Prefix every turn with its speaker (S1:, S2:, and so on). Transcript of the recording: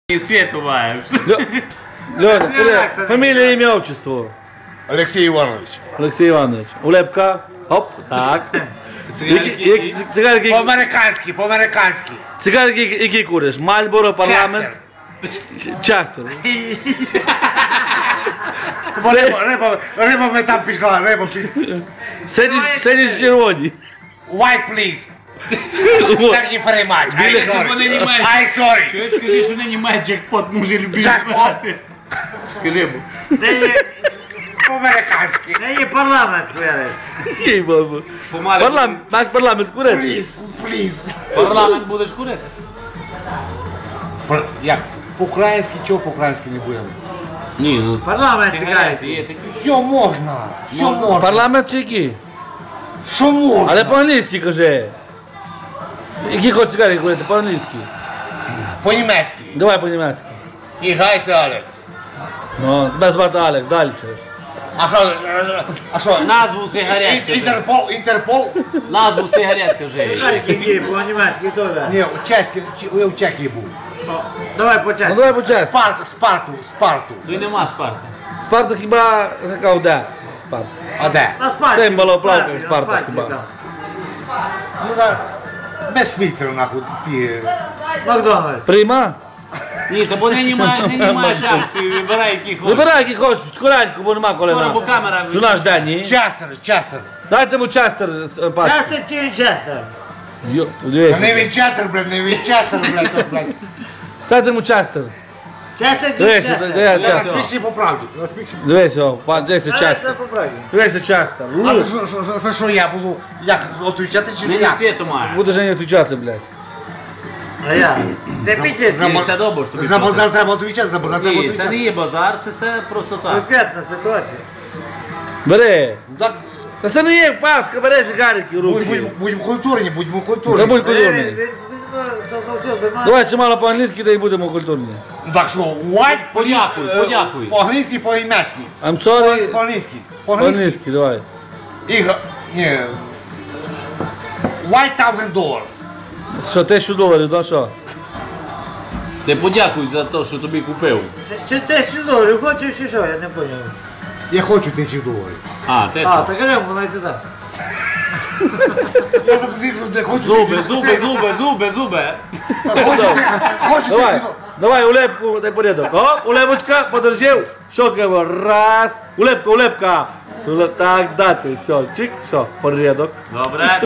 S1: Свету маешь.
S2: Лёня, фамилия, имя, отчество.
S3: Алексей Иванович.
S2: Олексій Іванович. Улепка. Хоп. Так. Цигарки.
S3: По-американськи, по-американськи.
S2: Цигарки, які куриш? Мальборо, парламент. Частер.
S3: Риба ми там пішла, риба пішла.
S2: Сидіть червоні.
S3: White, please. Thank you very much. I sorry.
S1: Чуєш, скажи, що нині має джекпот, може любити.
S3: Джекпот.
S1: Скажи йому.
S3: По-американськи.
S4: Не є парламент, хуяри.
S2: Парламент, наш парламент курить.
S3: Please, please.
S1: Парламент будеш курити?
S3: Як? По-українськи, чого по-українськи не будемо?
S1: Ні, ну
S4: Парламент
S1: сигарети
S4: цікавить.
S1: є такі.
S3: Все можна, все можна.
S2: Парламент чи які?
S3: Що можна?
S2: Але по-англійськи кажи. Які хоч цигарки курити? По-англійськи.
S3: По-німецьки.
S2: Давай по-німецьки.
S3: І гайся, Алекс.
S2: Ну, тебе звати Алекс, далі.
S3: А що?
S1: Назву сигарет кажи.
S3: Інтерпол, Інтерпол?
S1: Назву сигарет кажи.
S4: Які по-німецьки теж.
S3: Ні, у Чехії був.
S4: Давай по
S2: Ну
S4: часу.
S2: давай по чесно.
S3: Спарту.
S1: Тут нема Спарти.
S2: Спарта хіба така де? Спарта.
S3: А де?
S4: На спальні.
S2: Це малоплавка
S4: На
S2: Спарта
S4: спальні
S2: хіба.
S4: там.
S3: Ну так, без фільтру, нахуй, ті.
S4: Макдональдс.
S2: Прийма?
S1: Ні, то бо нині маєш акцію, вибирай які хочеш.
S2: Вибирай, які хочеш, скоренько, бо нема коли
S1: Скоро, бо
S2: нам.
S1: камера...
S2: Що наш день, ні?
S3: Часер.
S2: Дайте йому частер пас.
S4: Частер чи Вінчестер?
S3: Не
S2: Дивися.
S3: Вінчестер, блядь, не Вінчестер, блядь.
S2: Дайте йому частер.
S4: Частер чи
S2: Дивися,
S4: Вінчестер?
S3: Я
S2: дивися.
S3: спікші по правді.
S2: Дивися, дивися
S4: Це
S2: частер.
S4: поправді.
S2: Дивися частер.
S3: А за що я буду? Як, отвічати чи
S1: Нині
S3: як?
S1: світу має.
S2: Будеш не відвічати, блядь.
S4: А я? Ти пітєш?
S1: Ні, все добре, що тобі
S3: За базар
S1: платять.
S3: треба відвічати, за базар треба
S1: Ні, це не
S3: відвічати.
S1: є базар, це все просто так.
S4: Конкретна ситуація.
S2: Бери.
S3: Так,
S2: Та це не є паска, бери цигарики в руки.
S3: будемо культурні, будемо
S2: Та
S3: культурні.
S2: будь культурний.
S4: Давай.
S2: Давай чимало по-англійськи, та й будемо культурні.
S3: Так що, white,
S1: Подякуй, подякуй.
S3: По-англійськи, по-німецьки.
S2: I'm sorry.
S3: По-англійськи.
S2: По-англійськи, давай.
S3: Ні. $1,000.
S2: Що, $1000, да що?
S1: Ти подякуй за те, що тобі купив.
S4: Чи ти $1000 хочеш чи що? Я не поняв.
S3: Я хочу $1000.
S1: А, ти
S4: А,
S1: що?
S4: так глянь, воно йде так.
S3: Я записав, де хочу
S1: Зуби, зуби, зуби, зуби, зуби.
S3: Хочу
S2: Давай, давай, улепку, дай порядок. Оп, улепочка, подержив. Щокаємо, раз. Улепка. Так, дати, все, чик, все, порядок.
S1: Добре.